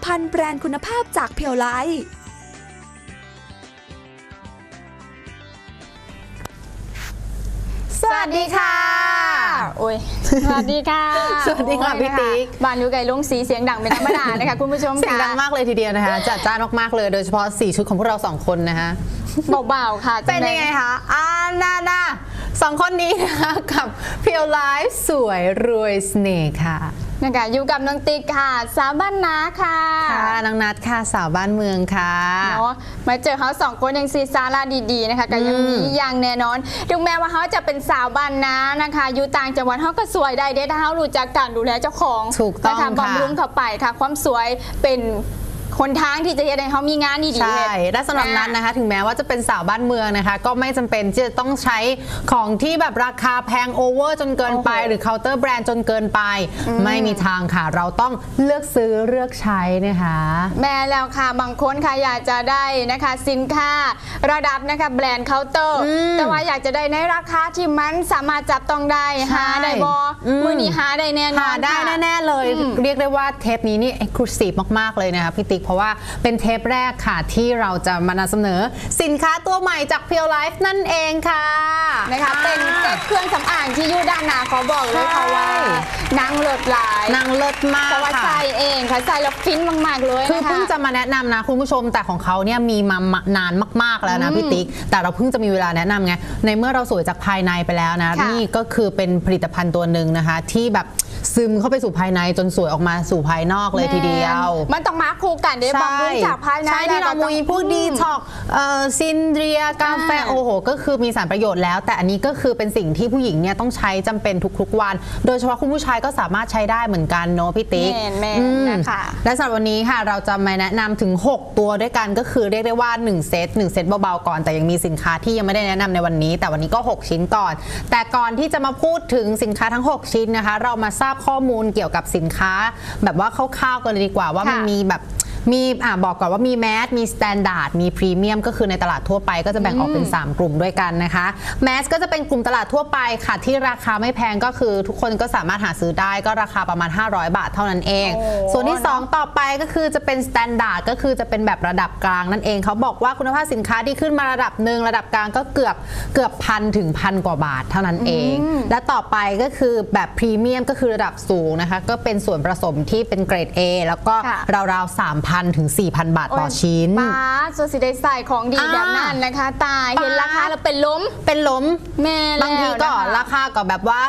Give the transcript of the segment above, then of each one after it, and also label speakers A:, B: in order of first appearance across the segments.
A: ภัณฑ์แบรนด์คุณภาพจากเพียวไลท์
B: สวัสดีค่ะโอ้ยสวัสดีค่ะ
C: สวัสดีค่ะพี่ติ๊ก
B: บ้านอยู่ไกลลุงสีเสียงดังเป็นธรรมดานะคะคุณผู้ชม
C: เสียงดังมากเลยทีเดียวนะคะจัดจ้านมากๆเลยโดยเฉพาะ4ชุดของพวกเรา2คนนะคะ
B: เบาๆค่ะ
C: เป็นยังไงคะนาสองคนนี้นะคะกับเพียวไลฟ์สวยรวยเสน่ห์ค่ะ
B: นะคะอยู่กับน้องติ๊กค่ะสาวบ้านนาค่ะ
C: ค่ะนางนัดค่ะสาวบ้านเมืองค่ะ
B: เนาะมาเจอเขา2คนยังซีซาร่าดีๆนะคะก็ยังมีอย่างแน่นอนถึงแม้ว่าเขาจะเป็นสาวบ้านนานะคะอยู่ต่างจังหวัดเขาก็สวยได้เด้ถ้าเขารู้จักการดูแลเจ้าของ
C: ถูกต้อง
B: นะคะ
C: ค่ะ
B: บำรุงเข้าไปค่ะ ความสวยเป็นคนทางที่จะให้เขามีงานดีๆ
C: ใช่
B: เฮ็ด
C: และสำหรับนัดนะคะถึงแม้ว่าจะเป็นสาวบ้านเมืองนะคะก็ไม่จำเป็นที่จะต้องใช้ของที่แบบราคาแพงโอเวอร์จนเกินไป
B: โอ้โห
C: หรือเคาน์เตอร์แบรนด์จนเกินไป ไม่มีทางค่ะ เราต้องเลือกซื้อเลือกใช้นะคะ
B: แม่แล้วค่ะบางคนค่ะอยากจะได้นะคะสินค้าระดับนะคะแบรนด์เคาน์เตอร์แต่ว่าอยากจะได้ในราคาที่มันสามารถจับต้องได้
C: ใช่
B: หาได้บอมือนี้หาได้แน่นอน
C: หาได้
B: ค่ะ
C: แน่ๆเลย เรียกได้ว่าเทปนี้นี่เอ็กซ์คลูซีฟมากๆเลยนะคะพี่ติ๊กเพราะว่าเป็นเทปแรกค่ะที่เราจะมานำเสนอสินค้าตัวใหม่จากเพียวไลฟ์นั่นเองค่ะ
B: นะคะเป็นเซ็ตเครื่องสำอางที่อยู่ด้านหน้าขอบอกเลยค่ะว่านางเลิศหลาย
C: นางเลิศมาก
B: แต่ว่า
C: ค่ะ
B: ใส่เองค่ะใส่แล้วฟินมากๆเลย
C: คือ
B: นะคะ
C: เพิ่งจะมาแนะนำนะคุณผู้ชมแต่ของเขาเนี่ยมีมานานมากๆแล้วนะพี่ติ๊กแต่เราเพิ่งจะมีเวลาแนะนำไงในเมื่อเราสวยจากภายในไปแล้วนะ
B: ค่ะ
C: นี่ก็คือเป็นผลิตภัณฑ์ตัวหนึ่งนะคะที่แบบซึมเข้าไปสู่ภายในจนสวยออกมาสู่ภายนอกเลยทีเดียว
B: มันต้องมาคู่กันเดี๋ยวบำรุงจากภายใน
C: ใช่ที่เรามีพวกดีท็อกซินเดรียกาแฟโอ้โหก็คือมีสารประโยชน์แล้ว แต่อันนี้ก็คือเป็นสิ่งที่ผู้หญิงเนี่ยต้องใช้จำเป็นทุกๆวัน โดยเฉพาะคุณผู้ชายก็สามารถใช้ได้เหมือนกันเนาะพี่ติ๊ก
B: แม่นนะคะ
C: และสำหรับวันนี้ค่ะเราจะมาแนะนำถึง 6 ตัวด้วยกันก็คือเรียกได้ว่า1เซตเบาๆก่อนแต่ยังมีสินค้าที่ยังไม่ได้แนะนำในวันนี้ แต่วันนี้ก็ 6 ชิ้นก่อน แต่ก่อนที่จะมาพูดถึงสินค้าทั้ง 6 ชิ้นนะคะ เรามาทราบข้อมูลเกี่ยวกับสินค้า แบบว่าคร่าวๆกันเลยดีกว่าว่ามันมีแบบมีบอกก่อนว่ามีแมสมีสแตนดาร์ดมีพรีเมียมก็คือในตลาดทั่วไปก็จะแบ่งออกเป็น 3 กลุ่มด้วยกันนะคะแมสก็จะเป็นกลุ่มตลาดทั่วไปค่ะที่ราคาไม่แพงก็คือทุกคนก็สามารถหาซื้อได้ก็ราคาประมาณ500 บาทเท่านั้นเอง
B: โอ้
C: ส่วนที่ 2 ต่อไปก็คือจะเป็นสแตนดาร์ดก็คือจะเป็นแบบระดับกลางนั่นเองเขาบอกว่าคุณภาพสินค้าที่ขึ้นมาระดับหนึ่งระดับกลางก็เกือบพันถึงพันกว่าบาทเท่านั้นเอง และต่อไปก็คือแบบพรีเมียมก็คือระดับสูงนะคะก็เป็นส่วนผสมที่เป็นเกรด A แล้วก็
B: ค่ะ
C: ราวๆ 3,000 ถึง 4,000 บาทต่อชิ้น
B: ป้าโซซิได้ใส่ของดี
C: อ่า
B: แบบนั้นนะคะ ตายเห็นราคาแล้วเป็นล้ม
C: เป็นล้ม
B: แม่แล้ว
C: บางทีก็
B: นะคะ
C: ราคาก็แบบว่า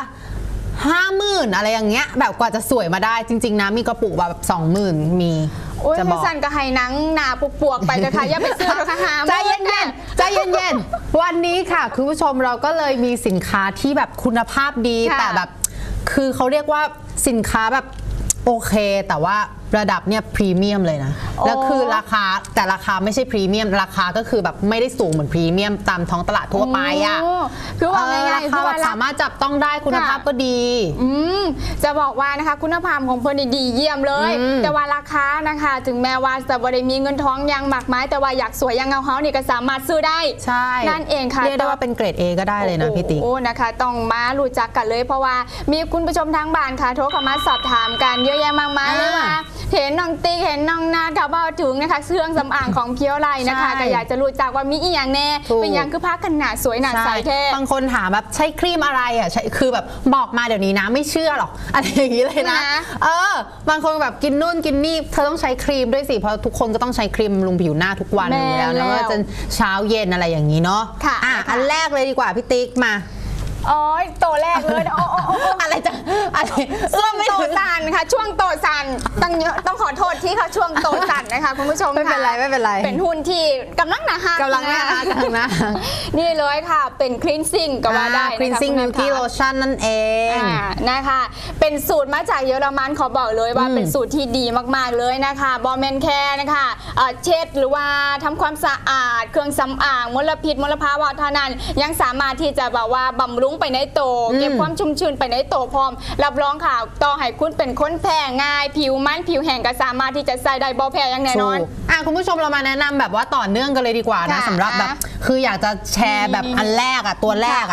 C: 50,000 อะไรอย่างเงี้ยแบบกว่าจะสวยมาได้จริงๆนะมีกระปุกแบบ 20,000 มี
B: โอ้ย
C: จะบอก
B: สั่นก็ให้หนังหนาปวกๆไปเลยค่ะอย่าไปซื้อราคาหา
C: ใจเย็นๆใจเย็นๆวันนี้ค่ะคุณผู้ชมเราก็เลยมีสินค้าที่แบบคุณภาพดี
B: ค่ะ
C: แต่แบบคือเขาเรียกว่าสินค้าแบบโอเค แต่ว่าระดับเนี่ยพรีเมียมเลยนะแล้วคือราคาแต่ราคาไม่ใช่พรีเมียมราคาก็คือแบบไม่ได้สูงเหมือนพรีเมียมตามท้องตลาดทั่วไปอ่ะ
B: โคือว่าง่าย
C: รา
B: ๆ
C: คา
B: คือ
C: แบ
B: ว่า
C: บสามารถจับต้องได้คุณภาพก็ดี
B: จะบอกว่านะคะคุณภาพของเพิ่นนี่ดีเยี่ยมเลย แต่ว่าราคานะคะ ถึงแม้ว่าจะบ่ได้มีเงินทองอยังมากมายแต่ว่าอยากสวยอยังเงาเฮานี่ก็สามารถซื้อได้
C: ใช่
B: นั่นเองค่ะ
C: เรียกได้ว่าเป็นเกรด A ก็ได้เลยนะพี่ติ๊ก
B: โอ้นะคะต้องมารู้จักกันเลยเพราะว่ามีคุณผู้ชมทางบ้านค่ะโทรเข้ามาสอบถามกันเยอะแยะมากมายเลยว่าเห็นน้องติ๊กเห็นน้องนาดค่ะว่าถึงนะคะเครื่องสำอางของเพียวไลนะคะ
C: ใช่
B: ก็อยากจะรู้จักว่ามีอีหยังแน่
C: ถูก
B: เป็นหยังคือผ้ากันหนาสวยหนาใสแท้
C: บางคนถามแบบใช้ครีมอะไรอ่ะใช้คือแบบบอกมาเดี๋ยวนี้นะไม่เชื่อหรอกอะไรอย่างนี้เลยนะ
B: นะ
C: บางคนแบบกินนู่นกินนี่เธอต้องใช้ครีมด้วยสิเพราะทุกคนก็ต้องใช้ครีมบำรุงผิวหน้าทุกวันอยู่แล้วนะว่าจะเช้าเย็นอะไรอย่างนี้เนาะ
B: ค่ะ
C: อันแรกเลยดีกว่าพี่ติ๊กมา
B: อ๋อตัวแรกเลยโอ้
C: อะไรจะอะไร
B: ช่วงโตสันค่ะช่วงโตสันต้องขอโทษที่ค่ะช่วงโตสันนะคะคุณผู้ชม
C: ไม่เป็นไรไม่เป็นไร
B: เป็นหุ้นที่กำลังหนาฮัก
C: กำลังน่ารักกำลังน่ารัก
B: นี่เลยค่ะเป็นคลีนซิ่งก็ว่าได้นะคะ
C: cleansing
B: คุณแม่
C: milky
B: ค่ะ
C: lotion นั่นเอง
B: นะคะเป็นสูตรมาจากเยอรมันขอบอกเลยว่าเป็นสูตรที่ดีมากๆเลยนะคะบอมแมนแคร์นะคะเช็ดหรือว่าทำความสะอาดเครื่องสำอางมลพิษมลภาวะเท่านั้นยังสามารถที่จะแบบว่าบำรุงไปในโตวเก็บความชุ่มชื้นไปในโตวพร้อมรับรองค่ะต่อให้คุณเป็นคนแพ้ง่ายผิวมันผิวแห้งก็สามารถที่จะใส่ได้บ่แพ้อย่างแน่นอน
C: คุณผู้ชมเรามาแนะนำแบบว่าต่อเนื่องกันเลยดีกว่านะ
B: ค่ะ
C: สำหรับแบบคืออยากจะแชร์แบบอันแรกอ่ะตัวแรกอ่ะ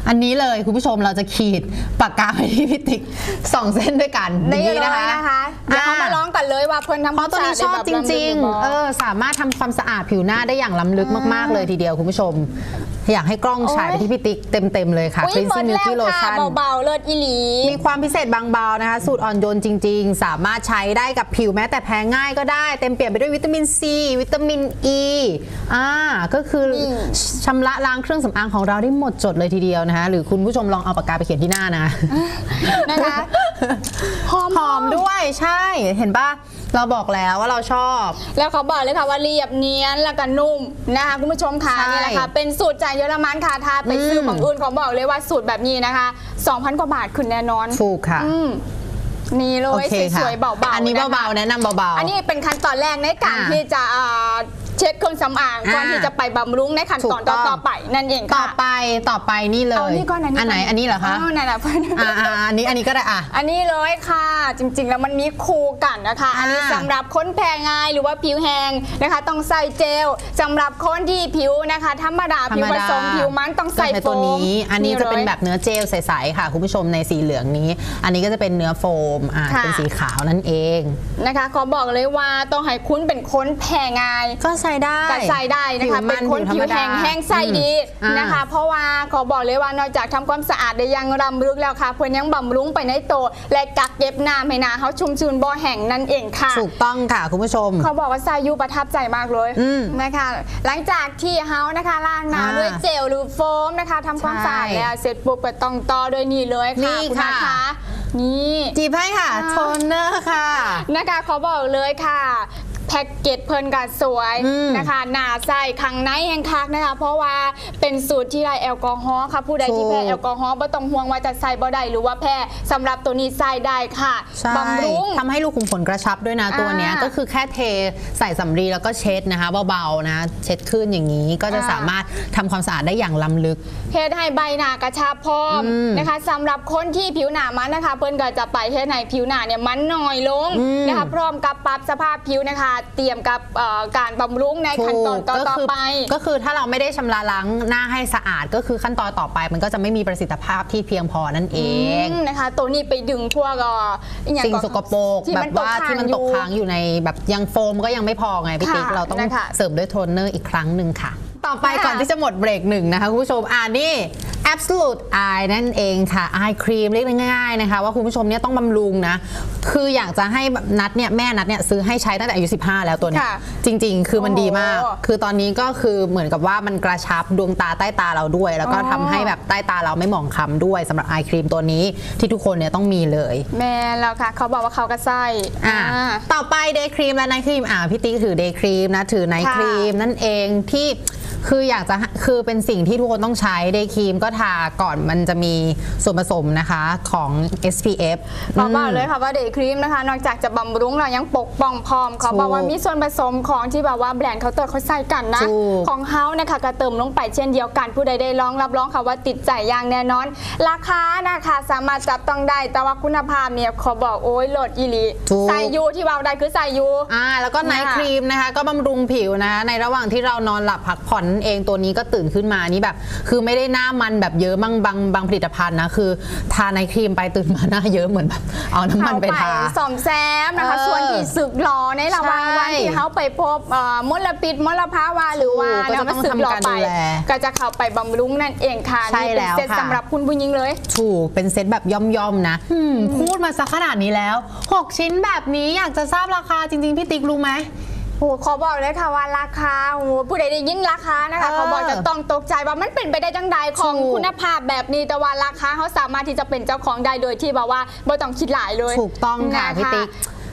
C: อันนี้เลยคุณผู้ชมเราจะขีดปากกาไปที่พี่ติ๊ก2 เส้นด้วยกัน
B: ได้
C: อย่าง
B: เล
C: นี้
B: ยนะคะเดี๋ยวเขามาร้องกันเลยว่าเพิ่นทำ
C: เพราะตัวนี้ชอบจริงๆสามารถทำความสะอาดผิวหน้าได้อย่างล้ำลึกมากๆเลยทีเดียวคุณผู้ชมอยากให้กล้องฉายไปที่พี่ติ๊กเต็มๆเลยค่ะ Cleansing Beauty Lotion
B: เบาๆเลิศอีหลี
C: มีความพิเศษบางเบานะคะสูตรอ่อนโยนจริงๆสามารถใช้ได้กับผิวแม้แต่แพ้ง่ายก็ได้เต็มเปี่ยมไปด้วยวิตามินซีวิตามินอีก็คือชำระล้างเครื่องสำอางของเราได้หมดจดเลยทีเดียวนะคะหรือคุณผู้ชมลองเอาปากกาไปเขียนที่หน้า
B: นะคะหอม
C: ด้วยใช่เห็นป่ะเราบอกแล้วว่าเราชอบ
B: แล้วเขาบอกเลยค่ะว่าเรียบเนียนแล้วก็นุ่มนะคะคุณผู้ชมค่ะนี่แหละค่ะเป็นสูตรจากเยอรมันค่ะถ้าไปซื้อของอื่นเขาบอกเลยว่าสูตรแบบนี้นะคะ 2,000 กว่าบาทขึ้นแน่นอน
C: ถูกค่ะ
B: นี่เลยสวยๆเบาๆ
C: อันนี้เบาๆแนะนำเบาๆ
B: อันนี้เป็นขั้นตอนแรกในการที่จะเช็ดเครื่องสำอางก่อนที่จะไปบำรุงในขั้นตอนต่อไปนั่นเองค่ะ
C: ต่อไปนี่เลยอันไหนอันนี้เหรอคะ
B: นั่นแหละ
C: อันนี้ก็ได้
B: อันนี้เลยค่ะจริงๆแล้วมันมีคู่กันนะคะอันนี้สำหรับคนแพ้ง่ายหรือว่าผิวแห้งนะคะต้องใส่เจลสำหรับคนที่ผิวนะคะธรรมดาผิวผสมผิวมันต้องใส่โฟม
C: อันนี้จะเป็นแบบเนื้อเจลใสๆค่ะคุณผู้ชมในสีเหลืองนี้อันนี้ก็จะเป็นเนื้อโฟมเป็นสีขาวนั่นเอง
B: นะคะขอบอกเลยว่าต้องให้คุณเป็นคนแพ้ง่าย
C: ก็ใส่ได้
B: นะคะเป็นคนผิวแห้งใสดีนะคะเพราะว่าขอบอกเลยว่านอกจากทำความสะอาดได้ยังรำลึกแล้วค่ะเพื่อนยังบำรุงไปในตัวและกักเก็บน้ำให้หน้าเขาชุ่มชื้นบ่แห้งนั่นเองค่ะ
C: ถูกต้องค่ะคุณผู้ชม
B: เขาบอกว่าซายูประทับใจมากเลยนะคะหลังจากที่เขานะคะล้างหน้าด้วยเจลหรือโฟมนะคะทำความสะอาดแล้วเสร็จปุ๊บก็ต้องต่อด้วยนี่เลยค่ะคุณนะคะนี่
C: จีบให้ค่ะโทนเนอร์ค่ะ
B: นะคะเขาบอกเลยค่ะแพ็กเกจเพลินกัดสวยนะคะหนาใส่ขังในแห้งคักนะคะเพราะว่าเป็นสูตรที่ไร้แอลกอฮอล์ค่ะผู้ใดที่แพ้แอลกอฮอล์ไม่ต้องห่วงว่าจะใส่บ่ได้หรือว่าแพ้สำหรับตัวนี้ใส่ได้ค่ะบำรุง
C: ทำให้รูขุมขนกระชับด้วยนะตัวนี้ก็คือแค่เทใส่สำลีแล้วก็เช็ดนะคะเบาๆนะเช็ดขึ้นอย่างนี้ก็จะสามารถทำความสะอาดได้อย่างล้ำลึก
B: เฮ็ดให้ใบหน้ากระชับพร้อมนะคะสำหรับคนที่ผิวหนามันนะคะเพิ่นก็จะไปเฮ็ดให้ผิวหนาเนี่ยมันน้อยลงนะคะพร้อมกับปรับสภาพผิวนะคะเตรียมกับการบำรุงในขั้นตอนต่อไป
C: ก็คือถ้าเราไม่ได้ชำระล้างหน้าให้สะอาดก็คือขั้นตอนต่อไปมันก็จะไม่มีประสิทธิภาพที่เพียงพอนั่นเอง
B: นะคะตัวนี้ไปดึงพวก
C: สิ่งสกปรกแบบว่าที่มันตกค้างอยู่ในแบบยังโฟมก็ยังไม่พอไงพี่ติ๊กเราต้องเสริมด้วยโทนเนอร์อีกครั้งหนึ่งค่ะต่อไปก่อนที่จะหมดเบรกหนึ่งนะคะคุณผู้ชมนี่ Absolute Eye นั่นเองค่ะ Eye Cream เรียกง่ายๆนะคะว่าคุณผู้ชมเนี่ยต้องบำรุงนะคืออยากจะให้นัดเนี่ยแม่นัดเนี่ยซื้อให้ใช้ตั้งแต่อายุ15แล้วตัวนี้จริงๆคือมันดีมากคือตอนนี้ก็คือเหมือนกับว่ามันกระชับดวงตาใต้ตาเราด้วยแล้วก็ทำให้แบบใต้ตาเราไม่หมองคล้ำด้วยสำหรับ Eye Cream ตัวนี้ที่ทุกคนเนี่ยต้องมีเลย
B: แม่แล้วค่ะเขาบอกว่าเขาก็ใส่
C: ต่อไป Day Cream และ Night Cream พี่ติ๊กถือ Day Cream นะถือ Night Cream นั่นเองที่คืออยากจะคือเป็นสิ่งที่ทุกคนต้องใช้เดย์ครีมก็ทาก่อนมันจะมีส่วนผสมนะคะของ SPF
B: บอกเลยค่ะว่าเดย์ครีมนะคะนอกจากจะบำรุงเรายังปกป้องพร้อมเขาบอกว่ามีส่วนผสมของที่แบบว่าแบรนด์เขาเติมเขาใส่กันนะของเขานะคะก็เติมลงไปเช่นเดียวกันผู้ใดได้ลองรับรองค่ะว่าติดใจอย่างแน่นอนราคานะคะสามารถจับต้องได้แต่ว่าคุณภาพเนี่ยขอบอกโอ้ยโหลดอีหลีใส่ยูที่เราได้คือใส่ยู
C: แล้วก็ไนท์ครีมนะคะก็บำรุงผิวนะในระหว่างที่เรานอนหลับพักผ่อนเองตัวนี้ก็ตื่นขึ้นมานี่แบบคือไม่ได้หน้ามันแบบเยอะบางผลิตภัณฑ์นะคือทาไนท์ครีมไปตื่นมาหน้าเยอะเหมือนแบบเอาน้ำมันไปทา
B: ซ่อมแซมนะคะส่วนที่สึกหลอในระหว่างวันที่เขาไปพบมลพิษมลภาวะหรือว่ามันสึกหลอไปก็จะเข้าไปบำรุงนั่นเองค่ะนี่เป็นเซตสำหรับคุณผู้หญิงเลย
C: ถูกเป็นเซตแบบย่อมๆนะพูดมาสักขนาดนี้แล้ว6ชิ้นแบบนี้อยากจะทราบราคาจริงๆพี่ติ๊กรู้ไหม
B: ขอบอกเลยค่ะว่าราคาผู้ใดได้ยินราคานะคะเขาบอกจะต้องตกใจว่ามันเป็นไปได้จังใดของคุณภาพแบบนี้แต่ว่าราคาเขาสามารถที่จะเป็นเจ้าของได้โดยที่แบบว่าไม่ต้องคิดหลายเลย
C: ถูกต้องค่ะพี่ติ๊ก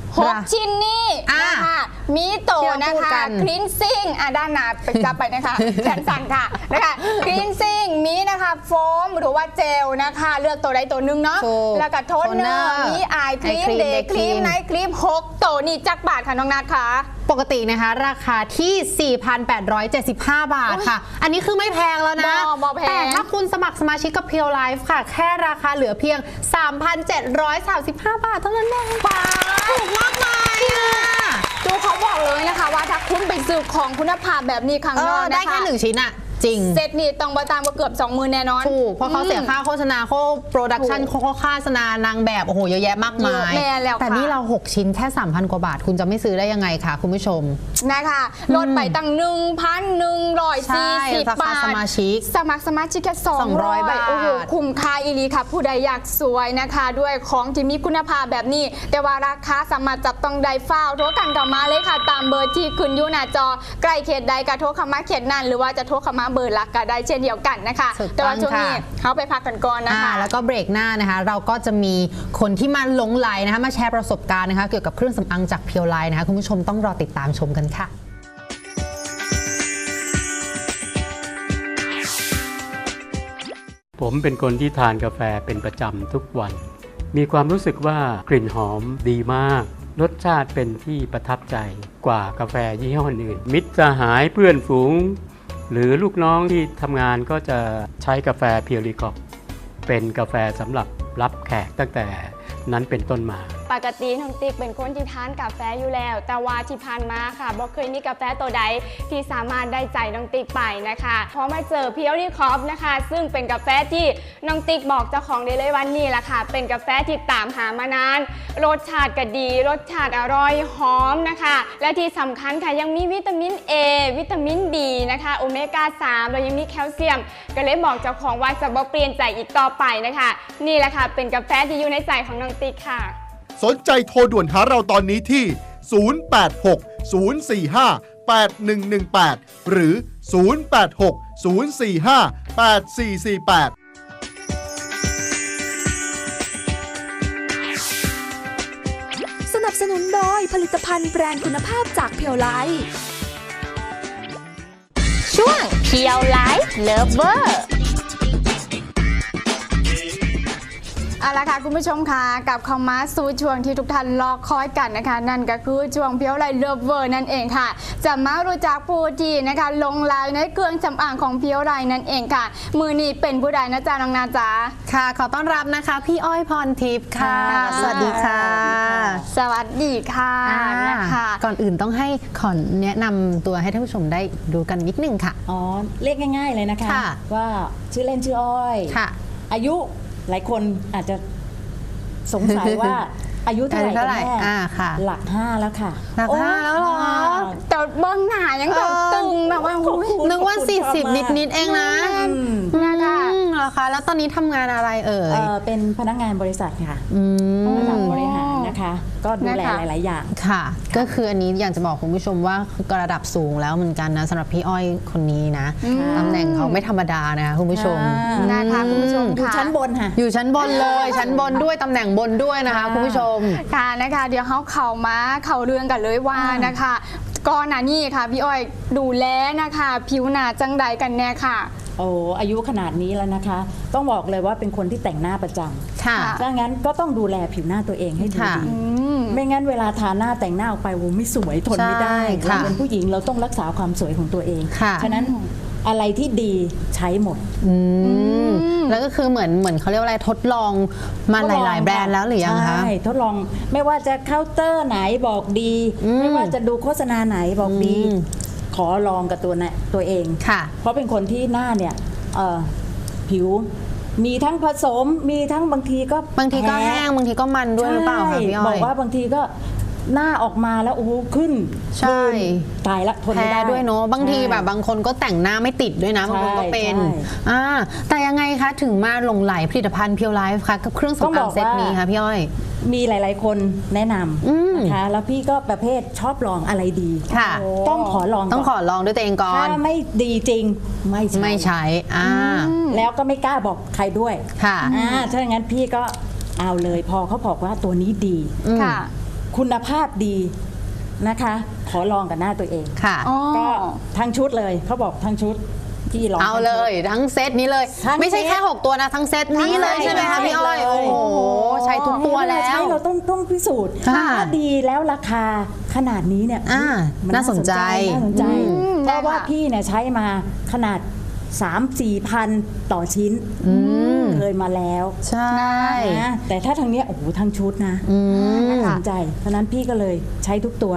B: 6 ชิ้นนี้นะคะมีโตนะคะคลีนซิ่งด้านหน้าไปจับไปนะคะแขนสั่นค่ะนะคะคลีนซิ่งมีนะคะโฟมหรือว่าเจลนะคะเลือกตัวใดตัวหนึ่งเนาะแล้วก็โทนเนอร์มีไอครีมเดย์ครีมไนท์ครีม6 ตัวนี่จักบาทค่ะน้องนัทค่ะ
C: ปกตินะคะราคาที่ 4,875 บาทค่ะอันนี้คือไม่แพงแล้วนะแต่ถ้าคุณสมัครสมาชิกกับ Pure Life ค่ะแค่ราคาเหลือเพียง 3,735 บาทเท่านั้นเองถูกมากเลย
B: ดูเขาบอกเลยนะคะว่าถ้าคุณไปซื้อของคุณภาพแบบนี้ครั้งนอก
C: ได้แค่1 ชิ้นอะจริง
B: เซตนี่ต้องบ่ต่ำกว่าเกือบ 20,000แน่นอน
C: ถูกเพราะเขาเสียค่าโฆษณาโปรดักชันค่าโฆษณานางแบบโอ้โหเยอะแยะมากมาย
B: แม่แล้วค่ะ
C: แต่นี่เรา 6 ชิ้นแค่ 3,000 กว่าบาทคุณจะไม่ซื้อได้ยังไงคะคุณผู้ชม
B: นะคะลดไปตั้ง
C: ใช่
B: 1,140
C: ราคา
B: บาท
C: สมาชิก
B: สมัครสมาชิกแค่
C: 200 บาท
B: โอ้โหคุ้มค่าอีหลีค่ะ ผู้ใดอยากสวยนะคะ ด้วยของที่มีคุณภาพแบบนี้ แต่ว่าราคาสามารถจับต้องได้ฟ้าวโทรกันกลับมาเลยค่ะ ตามเบอร์ที่ขึ้นอยู่หน้าจอใกล้เขตใดก็โทรเข้ามาเขตนั้นหรือว่าจะโทรเข้ามาเบอร์หลักก็ได้เช่นเดียวกันนะคะ
C: ถูกต้อง
B: แต่ว่าช่วงนี้
C: ค่ะ
B: เขาไปพักกันก่อนนะคะ
C: แล้วก็เบรกหน้านะคะ เราก็จะมีคนที่มาหลงไหลนะคะมาแชร์ประสบการณ์นะคะเกี่ยวกับเครื่องสำอางจากเพียวไลน์นะคะคุณผู้ชมต้องรอติดตามชมกันค่ะ
D: ผมเป็นคนที่ทานกาแฟเป็นประจำทุกวัน มีความรู้สึกว่ากลิ่นหอมดีมาก รสชาติเป็นที่ประทับใจกว่ากาแฟยี่ห้ออื่น มิตรสหายเพื่อนฝูง หรือลูกน้องที่ทำงานก็จะใช้กาแฟเพียวรีคอปเป็นกาแฟสำหรับรับแขกตั้งแต่นั้นเป็นต้นมา
B: ปกติน้องติ๊กเป็นคนที่ทานกาแฟอยู่แล้ว แต่ว่าที่ผ่านมาค่ะบ่เคยมีกาแฟตัวใดที่สามารถได้ใจน้องติ๊กไปนะคะพอมาเจอเพียวรีคอฟนะคะซึ่งเป็นกาแฟที่น้องติ๊กบอกเจ้าของได้เลยวันนี้แหละค่ะเป็นกาแฟที่ตามหามานานรสชาติก็ดีรสชาติอร่อยหอมนะคะและที่สำคัญค่ะยังมีวิตามิน A วิตามิน D นะคะโอเมก้า 3แล้วยังมีแคลเซียมก็เลยบอกเจ้าของว่าจะบ่เปลี่ยนใจอีกต่อไปนะคะนี่แหละค่ะเป็นกาแฟที่อยู่ในใจของน้องติ๊กค่ะ
E: สนใจโทรด่วนหาเราตอนนี้ที่ 086-045-8118 หรือ 086-045-8448
A: สนับสนุนโดยผลิตภัณฑ์แบรนด์คุณภาพจากเพียวไลท์
B: ช่วงเพียวไลฟ์เลิฟเวอร์เอาละค่ะคุณผู้ชมค่ะกลับเข้ามาสู่ช่วงที่ทุกท่านรอคอยกันนะคะนั่นก็คือช่วงเพียวไลฟ์เลิฟเวอร์นั่นเองค่ะจะมารู้จักผู้ที่นะคะลงลายในเครื่องสำอางของเพียวไลฟ์นั่นเองค่ะมือนี้เป็นผู้ใดนะจ๊ะน้องนาจ๊ะ
C: ค่ะขอต้อนรับนะคะพี่อ้อยพรทิพย์ค่ะ สวัสดีค่ะ
B: สวัสดีค่ะนะคะ
C: ก่อนอื่นต้องให้ขอแนะนำตัวให้ท่านผู้ชมได้ดูกันนิดนึงค่ะ
F: อ๋อเรียกง่ายๆเลยนะคะ
C: ค่ะ
F: ว่าชื่อเล่นชื่ออ้อย
C: ค่ะ
F: อายุหลายคนอาจจะสงสัยว่า อายุเท่าไหร่กันแน่
C: ค่ะ
F: หลัก 5 แล้วค่ะ
C: หลัก 5 แล้วเหรอ
B: แต่เบื้องหน้ายังแบบตึงแบบว่าอุ๊ย
C: นึกว่า 40 นิดๆเองนะ
B: นะคะ
C: เหรอคะแล้วตอนนี้ทำงานอะไรเอ่ย
F: เป็นพนักงานบริษัทค่ะ
C: ม
F: ระดับบริหารนะคะ ก็ดูแล
B: นะคะ
F: หลายๆอย่าง
C: ค่ะ ก็คืออันนี้อยากจะบอกคุณผู้ชมว่าก็ระดับสูงแล้วเหมือนกันนะสำหรับพี่อ้อยคนนี้นะตำแหน่งเขาไม่ธรรมดานะคะคุณผู้ชม
B: นะคะคุณผู้ชม
F: อยู่
B: ค่ะ
F: ชั้นบนค่ะ
C: อยู่ชั้นบนเลย ชั้นบนด้วยตำแหน่งบนด้วยนะคะคุณผู้ชม
B: ค่ะนะคะเดี๋ยวเขาเข้าเรื่องกันเลยว่านะคะก่อนหน้านี้ค่ะพี่อ้อยดูแลนะคะผิวหน้าจังใดกันแน่ค่ะ
F: โอ้อายุขนาดนี้แล้วนะคะ ต้องบอกเลยว่าเป็นคนที่แต่งหน้าประจ
C: ค่ะ
F: ำดังนั้นก็ต้องดูแลผิวหน้าตัวเองให้ดี
C: ค่ะ
F: ไม่งั้นเวลาทาหน้าแต่งหน้าออกไปโอ้ไม่สวยทนไม่ได้
C: ใช่ค่ะ
F: เราเป็นผู้หญิงเราต้องรักษาความสวยของตัวเอง
C: ค่ะ
F: ฉะนั้นอะไรที่ดีใช้หมด
C: แล้วก็คือเหมือนเขาเรียกว่าอะไรทดลองมาหลาย ๆ แบรนด์แล้วหรือยังคะ
F: ใช่ทดลองไม่ว่าจะเคาน์เตอร์ไหนบอกดี ไม่ว่าจะดูโฆษณาไหนบอกดี ขอลองกับตัวเอง
C: ค่ะ
F: เพราะเป็นคนที่หน้าเนี่ยผิวมีทั้งผสมมีทั้งบางทีก็
C: บางทีก็
F: พ้
C: แห้งบางทีก็มันด้วยหรือเปล่าคะพี่อ้อย
F: บอกว่าบางทีก็หน้าออกมาแล้วโอ้โหขึ้น
C: ใช่
F: ขึ้นตายละทนไม่
C: แพ้
F: ได้
C: ด้วยเนาะบางทีแบบบางคนก็แต่งหน้าไม่ติดด้วยนะบางคนก็เป็น
F: ใช่
C: แต่ยังไงคะถึงมาหลงไหลผลิตภัณฑ์เพียวไลฟ์คะกับเครื่องสำอางเซตนี้คะพี่อ้อย
F: มีหลาย ๆ คนแนะนำนะคะแล้วพี่ก็ประเภทชอบลองอะไรดี
C: ค่ะ
F: ต้องขอลอง
C: ต้องข
F: ก่
C: อน ลองด้วยตัวเองก่อน
F: ถ้าไม่ดีจริงไม่ใช่
C: ไม่ใช้
F: แล้วก็ไม่กล้าบอกใครด้วย
C: ค่ะ
F: ถ้าอย่างนั้นพี่ก็เอาเลยพอเขาบอกว่าตัวนี้ดี
B: ค่ะ
F: คุณภาพดีนะคะ ขอลองกับหน้าตัวเอง
C: ค่ะ
F: ก็ทั้งชุดเลยเขาบอกทั้งชุดพี่ลอง
C: เอาเลยทั้งเซตนี้เลย
F: ทั้ง
C: ไม่ใช่
F: เซต
C: แค่ 6 ตัวนะทั้งเซตนี้เลยใช่ไหมคะพี่อ้อย
F: ใช่เลย
C: โอ้โหใช้ทุกตัวแล้
F: ใช้
C: ว
F: เราต้องพิสูจน์
C: ค่ะ
F: ถ้าดีแล้วราคาขนาดนี้เนี่ย มั
C: น่าสนใจ
F: น่าสนใจ เพราะว่า
B: ได้ค่ะ
F: พี่เนี่ยใช้มาขนาด 3-4 พันต่อชิ้นเคยมาแล้ว
C: ใช่
F: นะแต่ถ้าทางเนี้ยโอ้โหทั้งชุดนะน่าสนใจเพราะนั้นพี่ก็เลยใช้ทุกตัว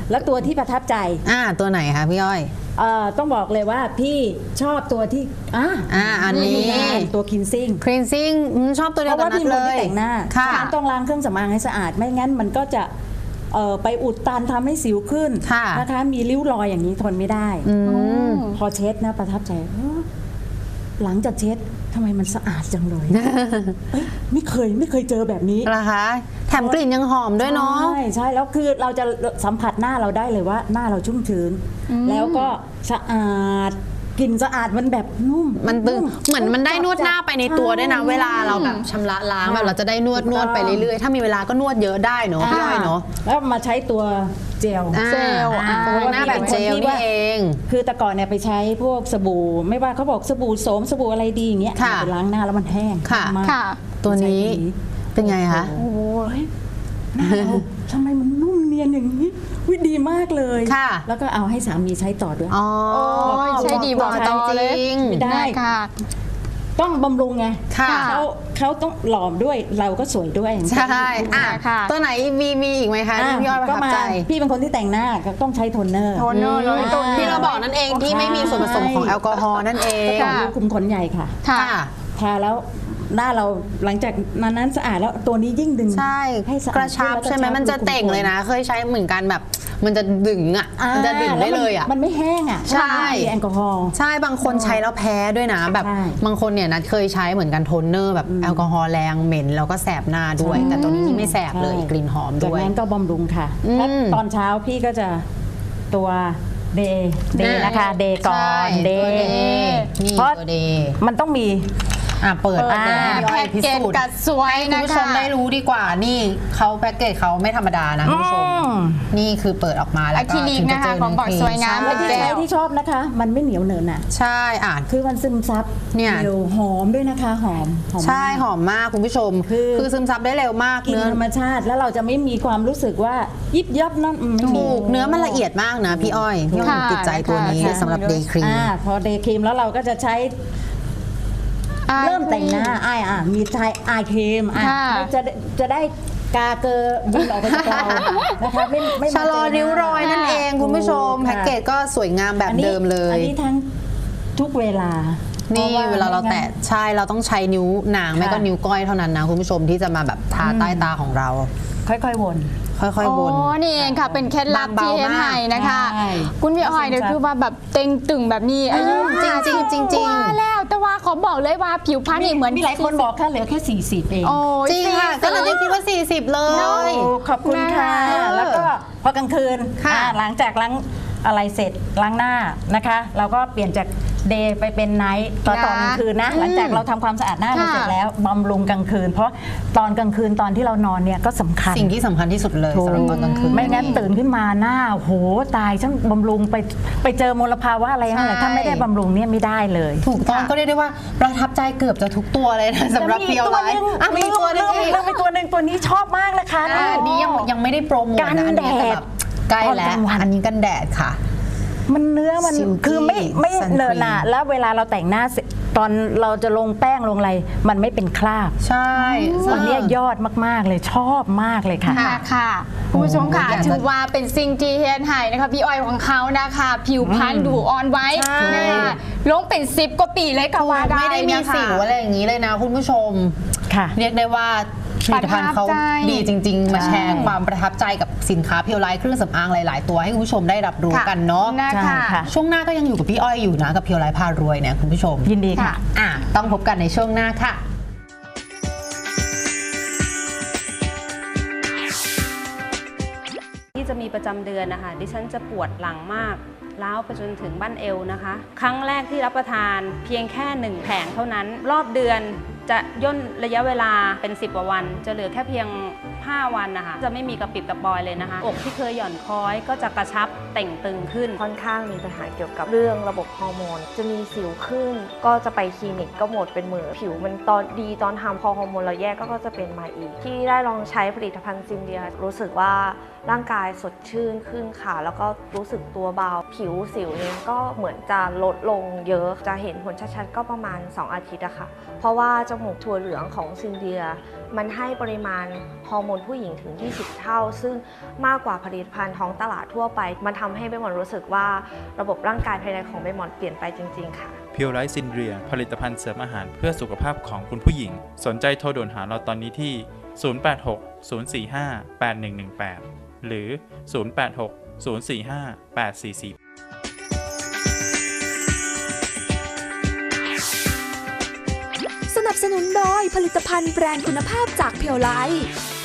F: แล้วตัวที่ประทับใจ
C: ตัวไหนคะพี่อ้อย
F: ต้องบอกเลยว่าพี่ชอบตัวที่
C: อันนี้
F: ตัวคินซิ่ง
C: cleansing ชอบตัว
F: เพ
C: เดียว
F: ราะ
C: กั
F: ว่าน
C: นั
F: พี่
C: ด
F: เป็น
C: เล
F: คนที่
C: ย
F: แต่งหน้า
C: ค่ะ
F: ฉะนั้นต้องล้างเครื่องสำอางให้สะอาดไม่งั้นมันก็จะไปอุดตันทำให้สิวขึ้น
C: ค่ะ
F: นะคะมีริ้วรอยอย่างนี้ทนไม่ได้ พอเช็ดนะประทับใจหลังจากเช็ดทำไมมันสะอาดจังเลยไม่เคยเจอแบบนี้
C: นะคะ แถมกลิ่นยังหอมด้วยเนาะ
F: ใช่แล้วคือเราจะสัมผัสหน้าเราได้เลยว่าหน้าเราชุ่มชื้นแล้วก็สะอาดกลิ่นสะอาดมันแบบนุ่ม
C: มันตึงเหมือนมันได้นวดหน้าไปในตัวด้วยนะเวลาเราแบบชำระล้างแบบเราจะได้นวดไปเรื่อยๆถ้ามีเวลาก็นวดเยอะได้เนาะพี่อ้อยเนาะ
F: แล้วมาใช้ตัวเจล
C: หน้าแบบเจลนี่เอง
F: คือแต่ก่อนเนี่ยไปใช้พวกสบู่ไม่ว่าเขาบอกสบู่โสมสบู่อะไรดีอย่างเงี้ย
C: ค่ะ
F: ไปล้างหน้าแล้วมันแห้ง
C: ค่ะ
F: มาก
B: ค่ะ
C: ตัวนี้เป็นไงคะ
F: โอ้ยหน้าเราทำไมมันนุ่มเนียนอย่างนี้วิดีมากเลย
C: ค่ะ
F: แล้วก็เอาให้สามีใช้ต่อด้วย
C: อ๋อ
B: ใช่ดีบอกต่อเลย
C: จริง
F: ไม่ได้
B: ค่ะ
F: ต้องบำรุงไง
C: ค่ะ
F: เขาต้องหล่อมด้วยเราก็สวยด้วย
C: ใช่
B: ค่ะ
C: ตัวไหนมีอีกไหมคะที่พี่อ้อยประ
F: ก็
C: ทับ
F: มา
C: ใจ
F: พี่เป็นคนที่แต่งหน้าก็ต้องใช้โทนเนอร์
B: โทนเนอร์เลยตัวนี้
C: ที่เราบอกนั่นเองที่ไม่มีส่วนผสมของแอลกอฮอล์นั่นเอง
F: ก็คุมขนใหญ่ค่ะ
B: ค่ะ
F: ทาแล้วหน้าเราหลังจากนั้นสะอาดแล้วตัวนี้ยิ่งดึง
C: ใช่
F: ให้สะอาด
C: กระชับใช่ไหมมันจะเต่งเลยนะ เคยใช้เหมือนกันแบบมันจะดึงมันจะดึงได้เลย
F: มันไม่แห้ง
C: ใช่
F: มีแอลกอฮอล์
C: ใช่บางคนใช้แล้วแพ้ด้วยนะแบบ
F: ใช่
C: บางคนเนี่ยนัดเคยใช้เหมือนกันโทนเนอร์แบบแอลกอฮอล์แรงเหม็นแล้วก็แสบหน้าด้วย แต่ตัวนี้ไม่แสบเลยกลิ่นหอม
F: จาก
C: ด้วย
F: นั้นก็บำรุงค่ะ
C: อืม
F: ถ้าตอนเช้าพี่ก็จะตัวเดย์นะคะเดย์ก่อนเด
C: ตัว
F: ย์
C: นี่
F: เพราะ
C: ตัวเดย์
F: มันต้องมี
C: เปิดให้พี่อ้อยพิสูจน์
B: แพ็กเกจกัดสวย
C: คุณ
B: นะ
C: ผู้ช
B: คะ
C: มได้รู้ดีกว่านี่เขาแพ็กเกจเขาไม่ธรรมดานะคุณผู้ชม นี่คือเปิดออกมาแล้วก็
B: อะคริลิกนะคะของบอกสวยงาม
C: ใช่
F: ที่ใช้ที่ชอบนะคะ มันไม่เหนียวเหนอะหนะ
C: ใช่
F: คือมันซึมซับ
C: เนี่ย
F: เร็วหอมด้วยนะคะหอม
C: ใช่
F: มาก
C: หอมมากคุณผู้ชม คือซึมซับได้เร็วมาก
F: กิน
C: เนื้อ
F: ธรรมชาติแล้วเราจะไม่มีความรู้สึกว่ายิบยับนั่นไม่มี
C: ถูกเนื้อมันละเอียดมากนะพี่อ้อยพี่อ้อย
B: ค่ะ
C: ติดใจตัวนี้
B: ค่ะ
C: สำหรับเดย์ครีม
F: พอเดย์ครีมแล้วเราก็จะใช้เริ่มแต่งหน้ามีใช้อายครีม
B: ค่ะ
F: จะได้กาเกอร์บินออกไปจากเรานะคะไม่
C: ชะลอริ้วรอยนั่นเองคุณผู้ชม
F: ถูกค่ะ
C: แพ็กเกจก็สวยงามแบบเดิมเลย
F: อันนี้ทั้งทุกเวลา
C: นี่
F: พะ
C: เวลาเรา
F: ไม่งั้น
C: แตะใช่เราต้องใช้นิ้วนางไม่ก็นิ้วก้อยเท่านั้นนะคุณผู้ชมที่จะมาแบบทาใต้ตาของเรา
F: ค่อยๆวน
C: ค่อยๆวน
B: โอ้นี่เองค่ะ เป็นเคล็ดลับที่เฮ็ดให้นะคะ
F: ใช่
B: คุณพี่อ้อยเนี่ยคือว่าแบบเต็งตึงแบบนี้อายุ
C: จริงๆ
B: ว่าแล้วแต่ว่าขอบอกเลยว่าผิวพรรณนี่เหมือน
F: มีหลายคนบอกแค่เหลือแค่40เอง
B: โอ้ย
C: จริงค่ะก็เราได้คิดว่า 40 เลย
F: ขอบคุณค่ะ แล้วก็พอกลางคืน
C: ค่ะ
F: หลังจากล้างอะไรเสร็จล้างหน้านะคะ เราก็เปลี่ยนจากเดย์ไปเป็นไนท์ตอนกลางคืนนะ หลังจากเราทำความสะอาดหน้าเราเสร็จแล้วบำรุงกลางคืน เพราะตอนกลางคืนตอนที่เรานอนเนี่ยก็สำคัญ
C: สิ่งที่สำคัญที่สุดเลยสำหรับตอนกลางคืน
F: ไม่งั้นตื่นขึ้นมาหน้าโหตายฉันบำรุงไปเจอมลภาวะอะไรนั่นแหละ
C: ใช่
F: ถ้าไม่ได้บำรุงเนี่ยไม่ได้เลย
C: ถูกต้องก็เรียกได้ว่าประทับใจเกือบจะทุกตัวเลยนะสำหรับเพียวไลท์มีตัวนึงอีก
F: เรื่องไปตัวหนึ่งตัวนี้ชอบมากนะคะ
C: อันนี้ยังไม่ได้โปรโมท
F: กัน
C: นะอัน
F: แด
C: นี้แต่
F: ด
C: แบบใกล้แล้ว
F: ตอนกลางวัน
C: อันนี้กันแดดค่ะ
F: มันเนื้อมัน
C: Silky
F: คือไม่
C: Sun
F: เนินหนา
C: Cream
F: แล้วเวลาเราแต่งหน้าเสร็จตอนเราจะลงแป้งลงอะไร มันไม่เป็นคราบ
C: ใช่
F: อันเนี้ยยอดมากๆเลยชอบมากเลยค่ะ
B: ค่ะคุณผู้ชมค่ะ
C: อยากจะ
B: ถือว่าเป็นสิ่งที่เฮ็ดให้นะคะพี่อ้อยของเขานะคะ ผิวพรรณดูอ่อนไว้
F: ใช่
B: นะคะลงเป็น10 กว่าปีเลยก็ว่าได้
C: ไม่ได้มี
B: นะคะ
C: สิวอะไรอย่างนี้เลยนะคุณผู้ชม
F: ค่ะ
C: เรียกได้ว่าผลิตภัณฑ์เขา
B: ประทับใจ
C: ดีจริง ๆ มาแชร์ความประทับใจกับสินค้าเพียวไลท์เครื่องสำอางหลาย ๆ ตัวให้คุณผู้ชมได้รับรู้กันเนาะ
B: นะ
F: ใช่
B: คะ
F: ค่ะ
C: ช่วงหน้าก็ยังอยู่กับพี่อ้อยอยู่นะกับเพียวไลท์พารวยเนี่ยคุณผู้ชม
F: ยินดีค่ะ
C: ต้องพบกันในช่วงหน้าค่ะ
G: ที่จะมีประจำเดือนนะคะดิฉันจะปวดหลังมากล้าวไปจนถึงบั้นเอวนะคะ ครั้งแรกที่รับประทานเพียงแค่1แผงเท่านั้นรอบเดือนจะย่นระยะเวลาเป็น10 กว่าวัน จะเหลือแค่เพียง5 วันนะคะจะไม่มีกระปิดกระปอยเลยนะคะอกที่เคยหย่อนคล้อยก็จะกระชับเต่งตึงขึ้น
H: ค่อนข้างมีปัญหาเกี่ยวกับเรื่องระบบฮอร์โมน จะมีสิวขึ้น ก็จะไปคลินิกก็หมดเป็นหมื่นผิวมันตอนดีตอนทำพอฮอร์โมนเราแย่ก็จะเป็นมาอีก ที่ได้ลองใช้ผลิตภัณฑ์ซินเดียรู้สึกว่าร่างกายสดชื่นขึ้นค่ะ แล้วก็รู้สึกตัวเบาผิวสิวเนี่ยก็เหมือนจะลดลงเยอะจะเห็นผลชัดๆก็ประมาณ2 อาทิตย์อะค่ะเพราะว่าจมูกถั่วเหลืองของซินเดียมันให้ปริมาณฮอร์โมนนผู้หญิงถึง 20 เท่า ซึ่งมากกว่าผลิตภัณฑ์ท้องตลาดทั่วไปมันทำให้ใบหมอนรู้สึกว่าระบบร่างกายภายในของใบหมอนเปลี่ยนไปจริงๆค่ะ
I: เพียวไลท์ซินเดรียผลิตภัณฑ์เสริมอาหารเพื่อสุขภาพของคุณผู้หญิงสนใจโทรด่วนหาเราตอนนี้ที่ 086-045-8118 หรือ 086-045-844
A: สนับสนุนโดยผลิตภัณฑ์แบรนด์คุณภาพจากเพียวไลท์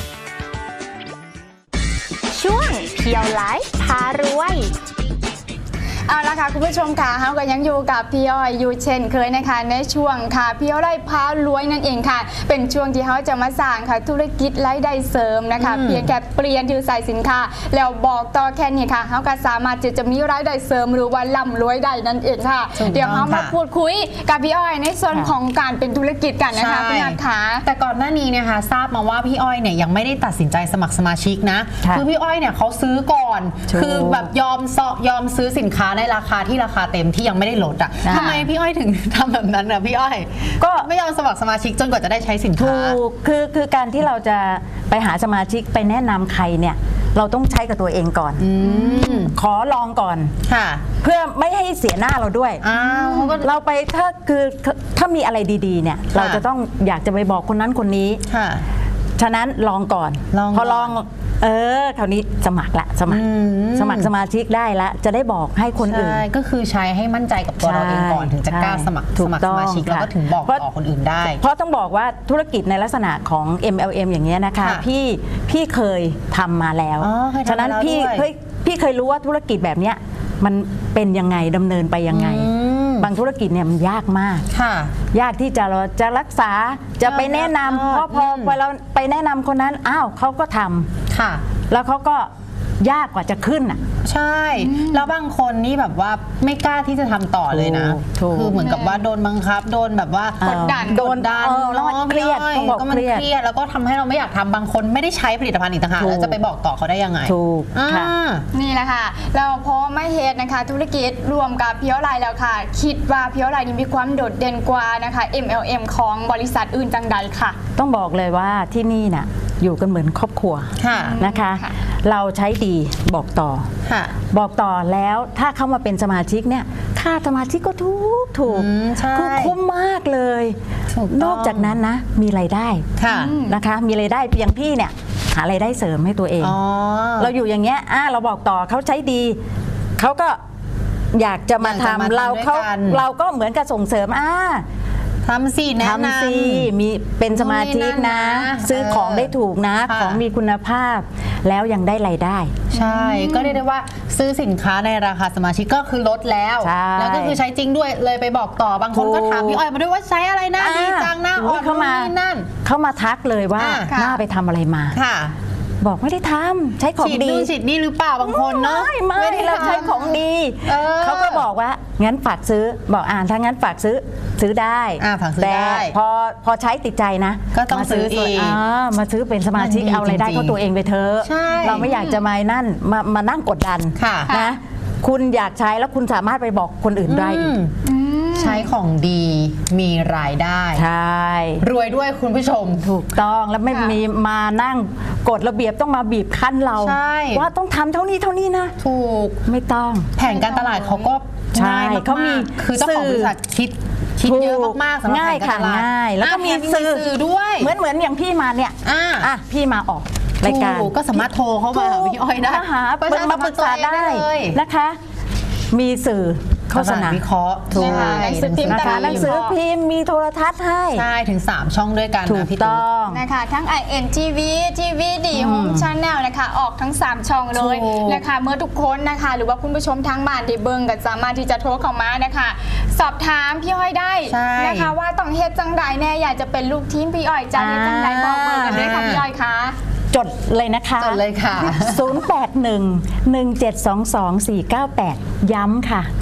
A: ช่วงเพียวไลท์พารวย
B: เอาละค่ะคุณผู้ชมค่ะเราก็ยังอยู่กับพี่อ้อยอยู่เช่นเคยนะคะในช่วงค่ะพี่อ้อยพารวยนั่นเองค่ะเป็นช่วงที่เขาจะมาสร้างค่ะธุรกิจรายได้เสริมนะคะเพียงแค่เปลี่ยนชื่อใส่สินค้าแล้วบอกต่อแค่นี้ค่ะเขาก็สามารถจะมีรายได้เสริมหรือว่าร่ำรวยได้นั่นเองค่ะเดี๋ยวเขามาพูดคุยกับพี่อ้อยในส่วนของการเป็นธุรกิจกันนะคะพี่นัทค่ะ
C: แต่ก่อนหน้านี้นะคะทราบมาว่าพี่อ้อยเนี่ยยังไม่ได้ตัดสินใจสมัครสมาชิกนะคือพี่อ้อยเนี่ยเขาซื้อก่อนคือแบบยอมซื้อสินค้าในราคาที่ราคาเต็มที่ยังไม่ได้ลดอ่ะทำไมพี่อ้อยถึงทำแบบนั้นนะพี่อ้อยก็ไม่ยอมสมัครสมาชิกจนกว่าจะได้ใช้สินค้า
F: ถูกคือการที่เราจะไปหาสมาชิกไปแนะนำใครเนี่ยเราต้องใช้กับตัวเองก่อนขอลองก่อนเพื่อไม่ให้เสียหน้าเราด้วยเราไปถ้ามีอะไรดีๆเนี่ยเราจะต้องอยากจะไปบอกคนนั้นคนนี้ฉะนั้นลองก่อนพอลองคราวนี้สมัครสมัครสมาชิกได้ละจะได้บอกให้คนอื่น
C: ก็คือใช้ให้มั่นใจกับตัวเราเองก่อนถึงจะกล้าสมัครสมาชิกแล้วก็ถึงบอกต่อคนอื่นได้
F: เพราะต้องบอกว่าธุรกิจในลักษณะของ MLM อย่างเงี้ยนะคะพี่เคยทำมาแล้วฉะนั้นพี่เคยรู้ว่าธุรกิจแบบเนี้ยมันเป็นยังไงดำเนินไปยังไงบางธุรกิจเนี่ยมันยากมากยากที่เราจะรักษาจะไปแนะนำพอเราไปแนะนำคนนั้นอ้าวเขาก็ทำแล้วเขาก็ยากกว่าจะขึ้นอ่ะ
C: ใช่แล้วบางคนนี่แบบว่าไม่กล้าที่จะทำต่อเลยนะคือเหมือนกับว่าโดนบังคับโดนแบบว่ากดดัน
F: แล้วมันเครียด
C: ก็มันเครียดแล้วก็ทำให้เราไม่อยากทำบางคนไม่ได้ใช้ผลิตภัณฑ์อีกต่างหากแล้วจะไปบอกต่อเขาได้ยังไง
F: ถูก
B: นี่แหละค่ะเราพอไม่เฮ็ดนะคะธุรกิจรวมกับพี่อ้อยแล้วค่ะคิดว่าพี่อ้อยนี่มีความโดดเด่นกว่านะคะ MLM ของบริษัทอื่นจังใดค่ะ
F: ต้องบอกเลยว่าที่นี่น่ะอยู่กันเหมือนครอบครัวนะคะเราใช้ดีบอกต่อแล้วถ้าเข้ามาเป็นสมาชิกเนี่ยค่าสมาชิกก็ถูกคือคุ้มมากเลยนอกจากนั้นนะมีรายได้นะคะมีรายได้เพียงพี่เนี่ยหารายได้เสริมให้ตัวเองเราอยู่อย่างเงี้ยเราบอกต่อเขาใช้ดีเขาก็อยากจะมาทำเราก็เหมือนกับส่งเสริม
C: ทำสิแนะน
F: ำมีเป็นสมาชิกนะซื้อของได้ถูกนะของมีคุณภาพแล้วยังได้รายได้
C: ใช่ก็เรียกได้ว่าซื้อสินค้าในราคาสมาชิกก็คือลดแล้วก็คือใช้จริงด้วยเลยไปบอกต่อบางคนก็ถามพี่อ้อยมาด้วยว่าใช้อะไรนะดีจังนะ
F: เข้ามาทักเลยว่าหน้าไปทำอะไรมาบอกไม่ได้ทำใช้ของดี
C: ฉีดนี่หรือเปล่าบางคนเนาะ
F: ไม่เราใช้ของดีเขาก็บอกว่างั้นฝากซื้อบอกถ้างั้นฝากซื้อได้แต่พอใช้ติดใจนะ
C: ก็ต้องซื้ออีก
F: มาซื้อเป็นสมาชิกเอารายได้เข้าตัวเองไปเถอะเราไม่อยากจะมานั่งกดดันนะคุณอยากใช้แล้วคุณสามารถไปบอกคนอื่นได้อีก
C: ใช้ของดีมีรายได้
F: ใช่
C: รวยด้วยคุณผู้ชม
F: ถูกต้องแล้วไม่มีมานั่งกฎระเบียบต้องมาบีบคั้นเราว่าต้องทำเท่านี้นะ
C: ถูก
F: ไม่ต้อง
C: แผนการตลาดเขาก็ง่ายเขามีคือเจ้าของบริษัทคิดเยอะมากๆสำหรับแผนการตลาด
F: ง่ายแล้วก็มีสื่อด้วยเหมือนอย่างพี่มาเนี่ยพี่มาออกรายการ
C: ก็สามารถโทรเข้ามาหาพี่อ้อยได้
F: มาปรึกษาได้นะคะมีสื่อโฆษณา
C: วิเคราะห์
F: หนังสือพิมพ์หนังสือพิมพ์มีโทรทัศน์ให้
C: ใช่ถึง3ช่องด้วยกัน
F: นะพี่ต้อง
B: นะคะทั้ง INTV TV ดีโฮมชาแนลนะคะออกทั้ง3ช่องเลยนะคะเมื่อทุกคนนะคะหรือว่าคุณผู้ชมทางบ้านที่เบิ่งก็สามารถที่จะโทรเข้ามานะคะสอบถามพี่อ้อยได้นะคะว่าต้องเฮ็ดจังใดแน่อยากจะเป็นลูกทีมพี่อ้อยจะเฮ็ดจังใดบอกเบอร์กันด้วยค่ะพี่อ้อยคะ
F: จดเลยนะคะ
C: จดเลยค่ะ
F: 0811722498ย้ำค่ะ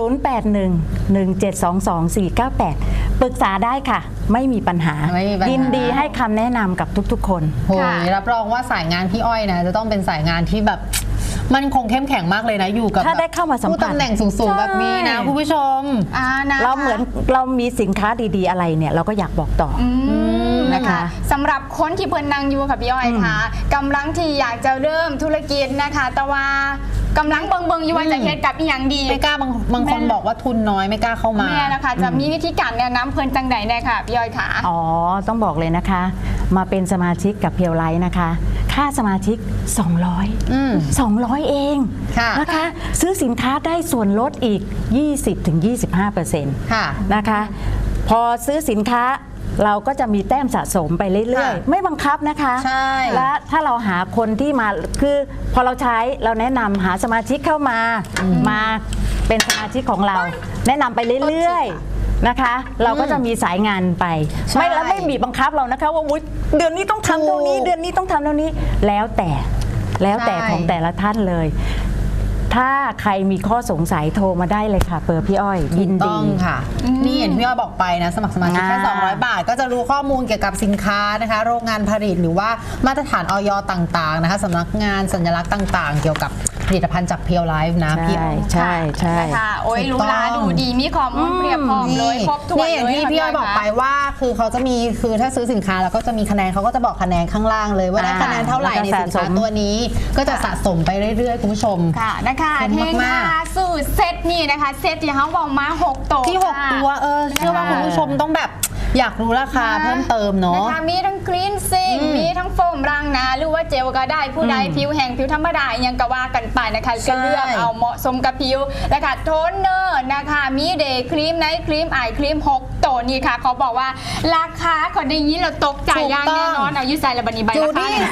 F: 0811722498ปรึกษาได้ค่ะไม่มีปัญหายินดีให้คำแนะนำกับทุกๆคน
C: รับรองว่าสายงานพี่อ้อยนะจะต้องเป็นสายงานที่แบบมันคงเข้มแข็งมากเลยนะอยู่กับ
F: ถ้าได้เข้ามาสัมผัส
C: ผู้ตำแหน่งสูงๆแบบนี้นะคุณผู้ชม
B: นะคะ
F: เราเหมือนเรามีสินค้าดีๆอะไรเนี่ยเราก็อยากบอกต่ออ
B: นะคะสำหรับคนที่เพิ่นนั่งอยู่ค่ะพี่อ้อยค่ะกำลังที่อยากจะเริ่มธุรกิจนะคะแต่ว่ากำลังเบิ่งอยู่ว่าจะเฮ็ดกับอีหยังดี
C: ไม่กล้าบางคนบอกว่าทุนน้อยไม่กล้าเข้ามา
B: แม่นะคะจะมีวิธีการแนะนำเพิ่นจังใดแน่ค่ะพี่อ้อยค่ะ
F: อ๋อต้องบอกเลยนะคะ มาเป็นสมาชิกกับเพียวไลท์นะคะ ค่าสมาชิก 200 เอง
C: ค่ะ
F: นะคะซื้อสินค้าได้ส่วนลดอีก 20-25%
C: ค่ะ
F: นะคะ พอซื้อสินค้าเราก็จะมีแต้มสะสมไปเรื่อย
C: ค่ะ
F: ๆ ไม่บังคับนะคะ
C: ใช่
F: และถ้าเราหาคนที่มาคือพอเราใช้เราแนะนำหาสมาชิกเข้ามามาเป็นสมาชิกของเรา แนะนำไปเรื่อยๆนะคะ เราก็จะมีสายงานไป
C: ใช่
F: ไม่บีบบังคับเรานะคะว่าอุ๊ยเดือนนี้ต้องทำเท่านี้
C: ถูก
F: เดือนนี้ต้องทำเท่านี้แล้วแต่
C: ใช่
F: ของแต่ละท่านเลย ถ้าใครมีข้อสงสัยโทรมาได้เลยค่ะเบอร์พี่อ้อยยิน
C: ต้
F: ดี
C: องค่ะ นี่เห็นพี่อ้อยบอกไปนะ สมัครสมาชิกแค่ 200 บาท ก็จะรู้ข้อมูลเกี่ยวกับสินค้านะคะ โรงงานผลิตหรือว่ามาตรฐานออยต่างๆนะคะสำนักงานสัญลักษณ์ต่างๆ เกี่ยวกับผลิตภัณฑ์จากเพียวไลฟ์นะพี่อ้อย
F: ใช่ใช่
B: นะคะโอ้ย
C: ถู
B: รู้
C: กต้อง
B: ลาดูดีมีข้อมูลเพียบพร้อมเลยครบถ้วน
C: นี่อย่าง
B: เลย
C: ที่พี่อ้อยบอกไปว่าคือเขาจะมีคือถ้าซื้อสินค้าแล้วก็จะมีคะแนนเขาก็จะบอกคะแนนข้างล่างเลยว่าได้คะแนนเท่าไหร่ในสินค้าตัวนี้ ก็จะสะสมไปเรื่อยๆคุณผู้ชม
B: ค่ะนะคะ
C: คุ้ม
B: เทง
C: มาก
B: ค่ะสูตรเซตนี่นะคะเซตที่เขาบอกมา6 ตัว
C: ที่ 6 ตัวเชื่อว่าคุณผู้ชมต้องแบบอยากรู้ราคาเพิ่มเติมเนาะ
B: นะคะมีทั้งคลีนซิ่งมีทั้งโฟมล้างหน้าหรือว่าเจลก็ได้ผู้ใดผิวแห้งผิวธรรมดายังก็ว่ากันไปนะคะก็เลือกเอาเหมาะสมกับผิวนะคะโทนเนอร์นะคะมีเดย์ครีมไนท์ครีมไอครีม6 ตัวนี่ค่ะเขาบอกว่าราคาเขาได้ยินเราตกใจอย่างแน่นอนเอายุใส่ระบันีใบ
C: จู
B: ราคา
C: ดี้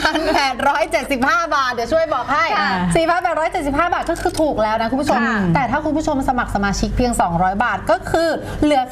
C: 4,875 บาท เดี๋ยวช่วยบอกให้ 4,875 บาทก็คือถูกแล้วนะคุณผู้ชม แต่ถ้าคุณผู้ชมสมัครสมาชิกเพียง 200 บาทก็คือเหลือแค่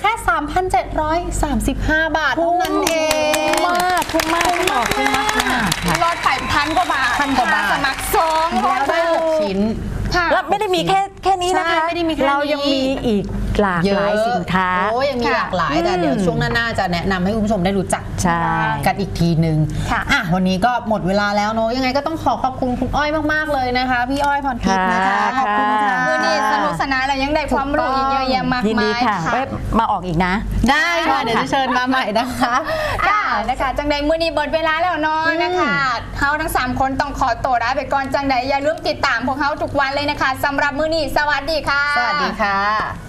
C: 3,735 บาทเท่านั้นเอง
F: คุ้มมากค่ะ
B: ลดไป1,000 กว่าบาท
C: 1,000 กว่าบาท
B: สมัคร2
C: แล้วได้ 6 ชิ้น
B: ค่ะ
F: แล้วไม่ได้มีแค่นี้นะคะ
C: ใช่ไม่ได้มีแค่นี้
F: เรายังมีอีกหลากหลายสินค้า
C: โอ้ยังมีหลากหลายแต่เดี๋ยวช่วงหน้าๆจะแนะนำให้คุณผู้ชมได้รู้จัก
F: ใช่
C: กันอีกทีนึง
B: ค่ะ
C: วันนี้ก็หมดเวลาแล้วเนอะยังไงก็ต้องขอบคุณคุณอ้อยมากๆเลยนะคะพี่อ้อยพรทิพย์นะคะขอบคุณค่ะ
B: มือนี้สนุกสนานเรายังได้ความรู้อีกเยอะแยะมาก
F: ยินดี
B: มาย
F: ค่ะ
B: ค่ะ
F: ไว้มาออกอีกนะ
C: ได้ค่ะเดี๋ยวจะเชิญมาใหม่นะคะ
B: ค่ะนะคะจังใดมือนี้เบิดเวลาแล้วเนาะนะคะเขาทั้ง3คนต้องขอตัวลาไปก่อนจังใดอย่าลืมติดตามพวกเขาทุกวันเลยนะคะสำหรับมือนี้สวัสดีค่ะ
C: สวัสดีค่ะ